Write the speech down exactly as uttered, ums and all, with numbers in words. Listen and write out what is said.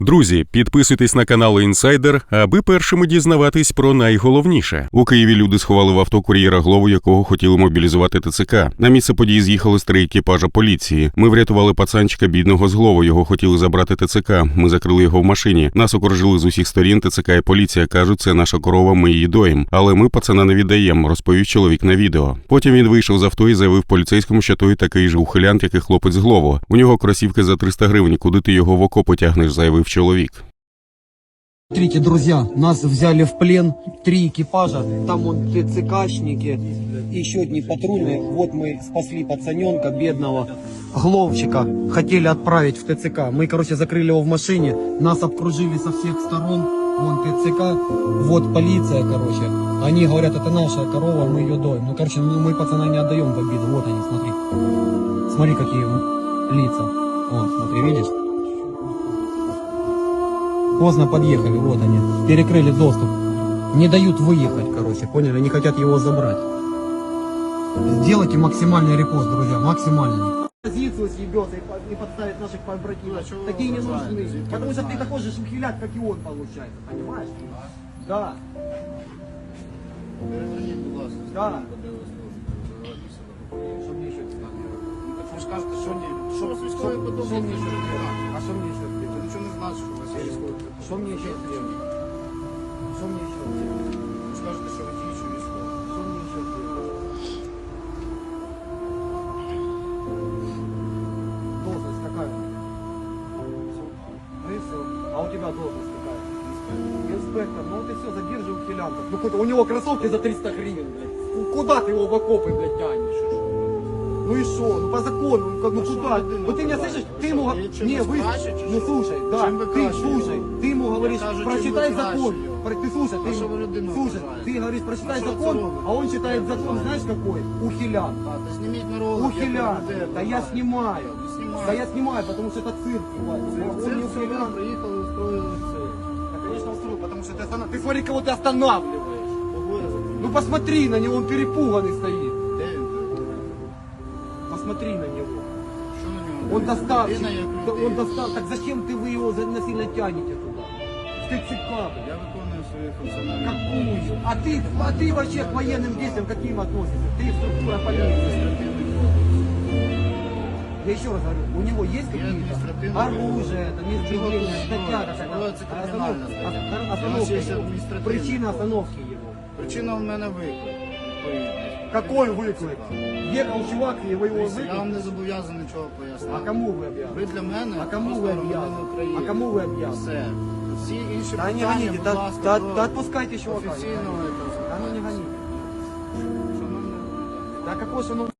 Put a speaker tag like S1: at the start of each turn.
S1: Друзі, підписуйтесь на канал Інсайдер, аби першими дізнаватись про найголовніше. У Києві люди сховали в авто кур'єра Глову, якого хотіли мобілізувати ТЦК. На місце події з'їхали з три екіпажа поліції. Ми врятували пацанчика бідного з Глову, його хотіли забрати ТЦК. Ми закрили його в машині. Нас окружили з усіх сторін ТЦК і поліція. Кажуть, це наша корова, ми її доїм. Але ми пацана не віддаємо, розповів чоловік на відео. Потім він вийшов з авто і заявив поліцейському, що той такий же ухилянт, як і хлопець з Глову. У нього кросівки за триста гривень, куди ти його в окопи тягнеш, заявив человек.
S2: Смотрите, друзья, нас взяли в плен три экипажа, там вон ТЦКшники, еще одни патрульные. Вот мы спасли пацаненка бедного, Гловчика, хотели отправить в ТЦК. Мы, короче, закрыли его в машине, нас обкружили со всех сторон, вон ТЦК, вот полиция, короче. Они говорят, это наша корова, мы ее доим. Ну, короче, ну, мы пацана не отдаем в обиду, вот они, смотри. Смотри, какие лица. Вот, смотри, видишь? Поздно подъехали, вот они, перекрыли доступ. Не дают выехать, короче, поняли, не хотят его забрать. Сделайте максимальный репост, друзья, максимальный. Позицию съебется и подставит наших побратимов. Такие не нужны, потому что ты такой же ухилят, как и он, получается, понимаешь? Да. Да. Что мне еще сделать?
S3: Вы же скажете, что мне... Что мне еще сделать?
S2: А что мне еще сделать?
S3: Вы ничего не знаете, что у вас есть військовий.
S2: Что мне еще сделать? Что мне еще сделать?
S3: Ви скажете, що ви діючий військовий.
S2: Что мне еще сделать? Должность какая? Ну и все. А у тебя должность какая? Инспектор. Ну вот и все, задержи ухилянтов. Ну хоть у него кроссовки за триста гривен, блядь. Ну куда ты его в окопы, блядь, тянешь? Ну и что? Ну по закону, ну как, ну куда? Вот ты меня слышишь, ты ему... Не, вы... Ну слушай, да, ты слушай, ты ему говоришь, прочитай закон. Ты слушай, ты, слушай, ты говоришь, прочитай закон, а он читает закон, знаешь какой? Ухилян.
S3: Та зніміть на ролик.
S2: Ухилян. Да я снимаю. Да я снимаю, потому что это цирк.
S3: Це
S2: Он не
S3: все
S2: ухилян.
S3: приїхали, устроїли це.
S2: Да, конечно, устроил, потому что ты останавливаешь. Ты смотри, кого ты останавливаешь. Ну посмотри на него, он перепуганный стоит.
S3: Де він?
S2: Посмотри на него.
S3: Що на ньому?
S2: Он доставщик.
S3: Людина як
S2: Да
S3: людина.
S2: он достав... Так зачем ты вы его за- насильно тянете туда? В ТЦК, блядь.
S3: Я виконую свої функціональні.
S2: Какую? А ты, а ты вообще к военным действиям каким относишься? Ты структура полиции. Я еще раз говорю, у него есть какие-то
S3: административное
S2: оружие, это неизбежение, статья какая-то,
S3: Проводится криминальная
S2: останов-
S3: статья.
S2: ос-
S3: У нас
S2: остановка
S3: есть
S2: его,
S3: административное.
S2: причина остановки его.
S3: Причина в мене виклик. відповідний.
S2: Какой выклик? Ехал чувак, и вы его
S3: Я вам
S2: выклик?
S3: не зобов'язаний нічого пояснити.
S2: А кому вы объявили?
S3: Ви для мене
S2: А кому
S3: просто
S2: ви
S3: громадянин
S2: об'язані?
S3: України.
S2: А кому ви об'язані?
S3: Все. Всі інші
S2: Да не
S3: питання,
S2: гоните,
S3: будь
S2: да,
S3: ласка,
S2: да,
S3: до
S2: да отпускайте чувака.
S3: офіційного якогось.
S2: Да ну не гоните.
S3: Що нам не-
S2: Да какой же, ну,